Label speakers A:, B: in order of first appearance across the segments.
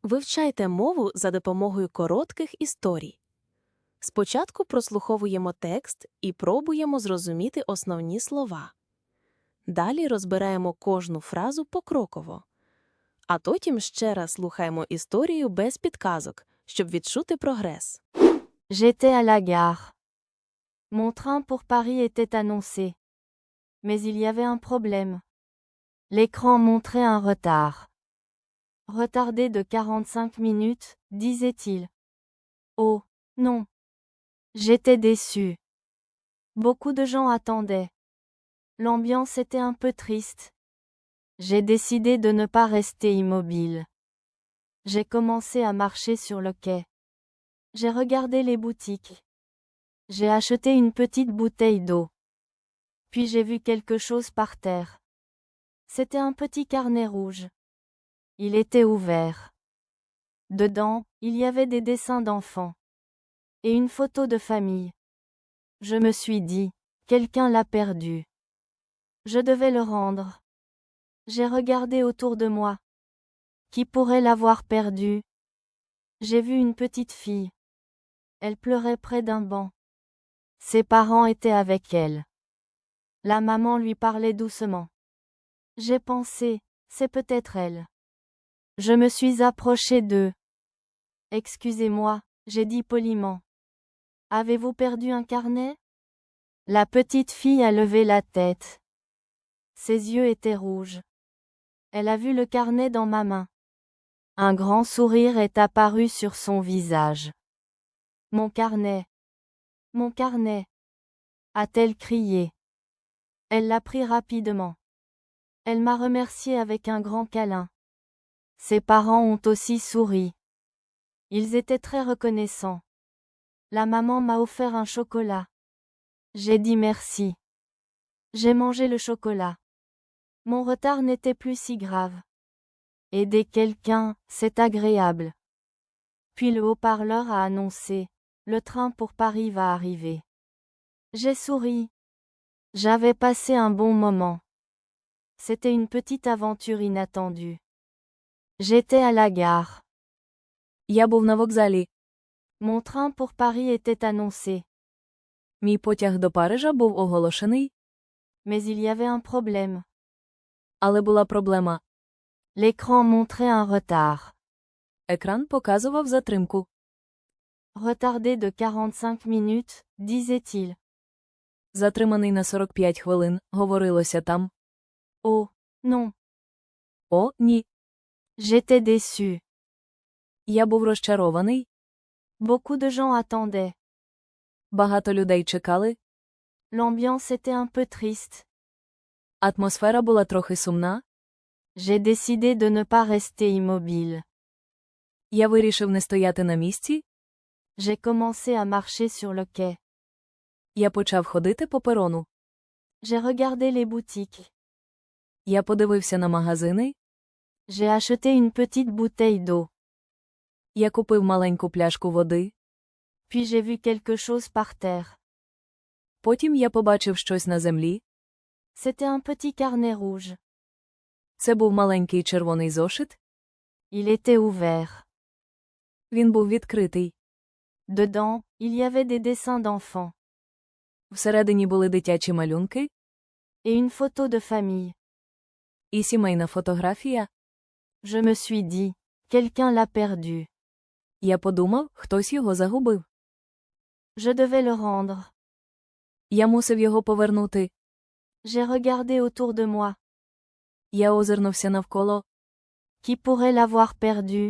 A: Вивчайте мову за допомогою коротких історій. Спочатку прослуховуємо текст і пробуємо зрозуміти основні слова. Далі розбираємо кожну фразу покроково. А потім ще раз слухаємо історію без підказок, щоб відчути прогрес.
B: J'étais à la gare. Mon train pour Paris était annoncé. Mais il y avait un problème. L'écran montrait un retard. Retardé de 45 minutes, disait-il. Oh, non. J'étais déçu. Beaucoup de gens attendaient. L'ambiance était un peu triste. J'ai décidé de ne pas rester immobile. J'ai commencé à marcher sur le quai. J'ai regardé les boutiques. J'ai acheté une petite bouteille d'eau. Puis j'ai vu quelque chose par terre. C'était un petit carnet rouge. Il était ouvert. Dedans, il y avait des dessins d'enfants. Et une photo de famille. Je me suis dit, quelqu'un l'a perdu. Je devais le rendre. J'ai regardé autour de moi. Qui pourrait l'avoir perdu? J'ai vu une petite fille. Elle pleurait près d'un banc. Ses parents étaient avec elle. La maman lui parlait doucement. J'ai pensé, c'est peut-être elle. Je me suis approché d'eux. Excusez-moi, j'ai dit poliment. Avez-vous perdu un carnet? La petite fille a levé la tête. Ses yeux étaient rouges. Elle a vu le carnet dans ma main. Un grand sourire est apparu sur son visage. Mon carnet. Mon carnet. A-t-elle crié. Elle l'a pris rapidement. Elle m'a remercié avec un grand câlin. Ses parents ont aussi souri. Ils étaient très reconnaissants. La maman m'a offert un chocolat. J'ai dit merci. J'ai mangé le chocolat. Mon retard n'était plus si grave. Aider quelqu'un, c'est agréable. Puis le haut-parleur a annoncé, le train pour Paris va arriver. J'ai souri. J'avais passé un bon moment. C'était une petite aventure inattendue. J'étais à la gare.
A: Я був на вокзалі.
B: Mon train pour Paris était annoncé.
A: Мій потяг до Парижа був оголошений,
B: Mais il y avait un problème.
A: але була проблема.
B: L'écran montrait un retard.
A: Екран показував затримку.
B: Retardé de 45 minutes, disait-il.
A: Затриманий на 45 хвилин, говорилося там.
B: Oh, non.
A: О, ні.
B: J'étais déçu.
A: Я був розчарований.
B: Beaucoup de gens attendaient.
A: Багато людей чекали.
B: L'ambiance était un peu triste.
A: Атмосфера була трохи сумна.
B: J'ai décidé de ne pas rester immobile.
A: Я вирішив не стояти на місці.
B: J'ai commencé à marcher sur le quai.
A: Я почав ходити по перону.
B: J'ai regardé les boutiques.
A: Я подивився на магазини.
B: J'ai acheté une petite bouteille d'eau.
A: Я купив маленьку пляшку води.
B: Puis j'ai vu quelque chose par terre.
A: Потім я побачив щось на землі.
B: C'était un petit carnet rouge.
A: Це був маленький червоний зошит.
B: Il était ouvert.
A: Він був відкритий.
B: Dedans, il y avait des dessins d'enfants.
A: Всередині були дитячі малюнки.
B: Et une photo de famille.
A: І сімейна фотографія.
B: Je me suis dit, quelqu'un l'a perdu.
A: Я подумав, хтось його загубив.
B: Je devais le rendre.
A: Я мусив його повернути.
B: J'ai regardé autour de moi.
A: Я озирнувся навколо.
B: Qui pourrait l'avoir perdu?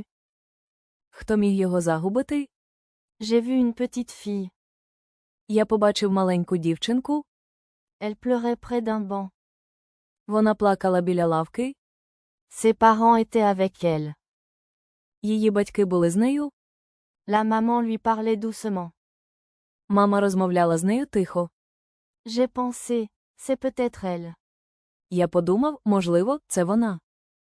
A: Хто міг його загубити?
B: J'ai vu une petite fille.
A: Я побачив маленьку дівчинку.
B: Elle pleurait près d'un banc.
A: Вона плакала біля лавки.
B: Ses parents étaient avec elle.
A: Її батьки були з нею.
B: La maman lui parlait doucement.
A: Мама розмовляла з нею тихо.
B: J'ai pensé, c'est peut-être elle.
A: Я подумав, можливо, це вона.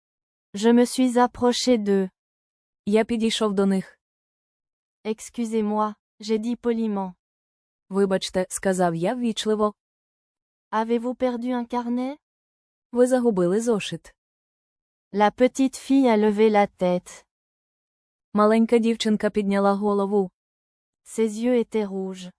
B: Je me suis approché d'eux.
A: Я підійшов до них.
B: Excusez-moi, j'ai dit poliment.
A: Вибачте, сказав я ввічливо.
B: Avez-vous perdu un carnet?
A: Ви загубили зошит.
B: La petite fille a levé la tête.
A: Маленька дівчинка підняла голову.
B: Ses yeux étaient rouges.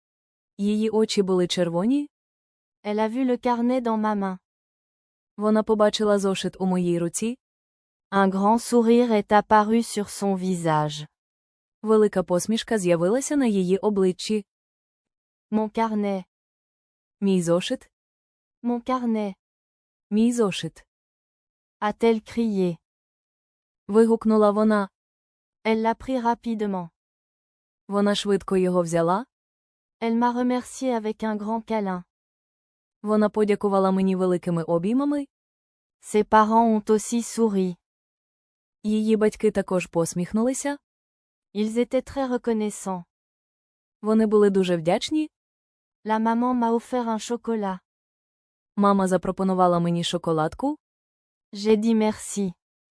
A: Її очі були червоні.
B: Elle a vu le carnet dans ma main.
A: Вона побачила зошит у моїй руці.
B: Un grand sourire est apparu sur son visage.
A: Велика посмішка з'явилася на її обличчі.
B: Mon carnet.
A: Мій зошит.
B: Mon carnet.
A: Мій зошит.
B: A-t-elle crié.
A: Вигукнула вона.
B: Elle l'a pris rapidement.
A: Вона швидко його взяла.
B: Elle m'a remercié avec un grand câlin.
A: Вона подякувала мені великими обіймами.
B: Ses parents ont aussi souri.
A: Її батьки також посміхнулися.
B: Ils étaient très reconnaissants.
A: Вони були дуже вдячні.
B: La maman m'a offert un chocolat.
A: Мама запропонувала мені шоколадку.
B: J'ai dit merci.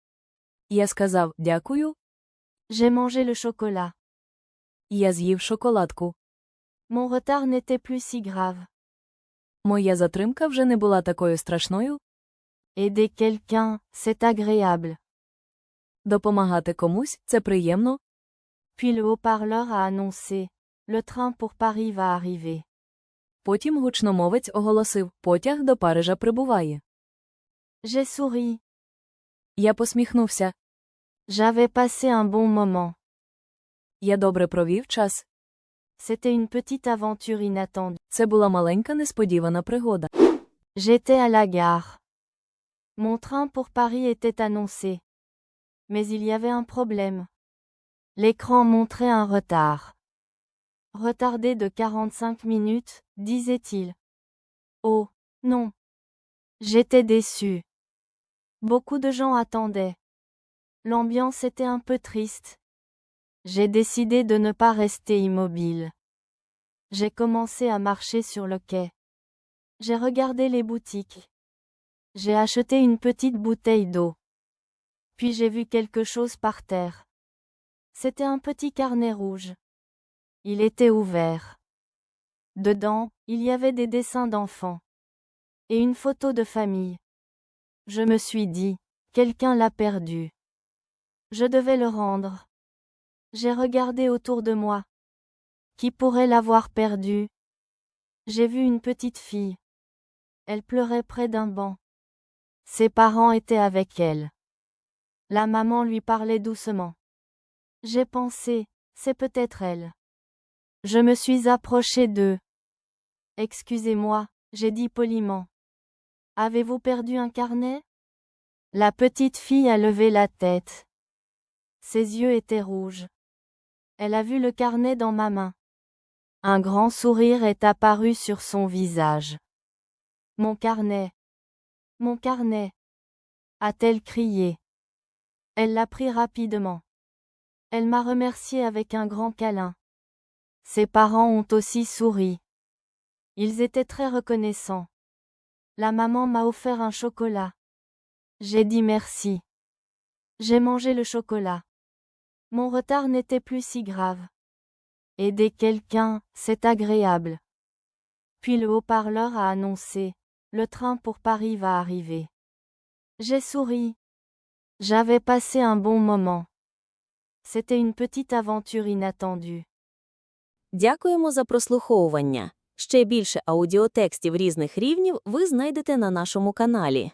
A: Я сказав «дякую».
B: J'ai mangé le chocolat.
A: Я з'їв шоколадку.
B: Mon retard n'était plus si grave.
A: Моя затримка вже не була такою страшною.
B: Aider quelqu'un, c'est agréable.
A: Допомагати комусь – це приємно.
B: Puis le haut-parleur a annoncé. Le train pour Paris va arriver.
A: Потім гучномовець оголосив «потяг до Парижа прибуває».
B: J'ai souri.
A: Я посміхнувся.
B: J'avais passé un bon moment.
A: Я добре провів час.
B: C'était une petite aventure inattendue.
A: Це була маленька несподівана пригода.
B: J'étais à la gare. Mon train pour Paris était annoncé. Mais il y avait un problème. L'écran montrait un retard. Retardé de 45 minutes, disait-il. Oh, non. J'étais déçu. Beaucoup de gens attendaient. L'ambiance était un peu triste. J'ai décidé de ne pas rester immobile. J'ai commencé à marcher sur le quai. J'ai regardé les boutiques. J'ai acheté une petite bouteille d'eau. Puis j'ai vu quelque chose par terre. C'était un petit carnet rouge. Il était ouvert. Dedans, il y avait des dessins d'enfants. Et une photo de famille. Je me suis dit, quelqu'un l'a perdu. Je devais le rendre. J'ai regardé autour de moi. Qui pourrait l'avoir perdu? J'ai vu une petite fille. Elle pleurait près d'un banc. Ses parents étaient avec elle. La maman lui parlait doucement. J'ai pensé, c'est peut-être elle. Je me suis approché d'eux. Excusez-moi, j'ai dit poliment. Avez-vous perdu un carnet? La petite fille a levé la tête. Ses yeux étaient rouges. Elle a vu le carnet dans ma main. Un grand sourire est apparu sur son visage. Mon carnet. Mon carnet. A-t-elle crié. Elle l'a pris rapidement. Elle m'a remercié avec un grand câlin. Ses parents ont aussi souri. Ils étaient très reconnaissants. La maman m'a offert un chocolat. J'ai dit merci. J'ai mangé le chocolat. Mon retard n'était plus si grave. Aider quelqu'un, c'est agréable. Puis le haut-parleur a annoncé. Le train pour Paris va arriver. J'ai souri. J'avais passé un bon moment. C'était une petite aventure inattendue.
A: Дякуємо за прослуховування. Ще більше аудіотекстів різних рівнів ви знайдете на нашому каналі.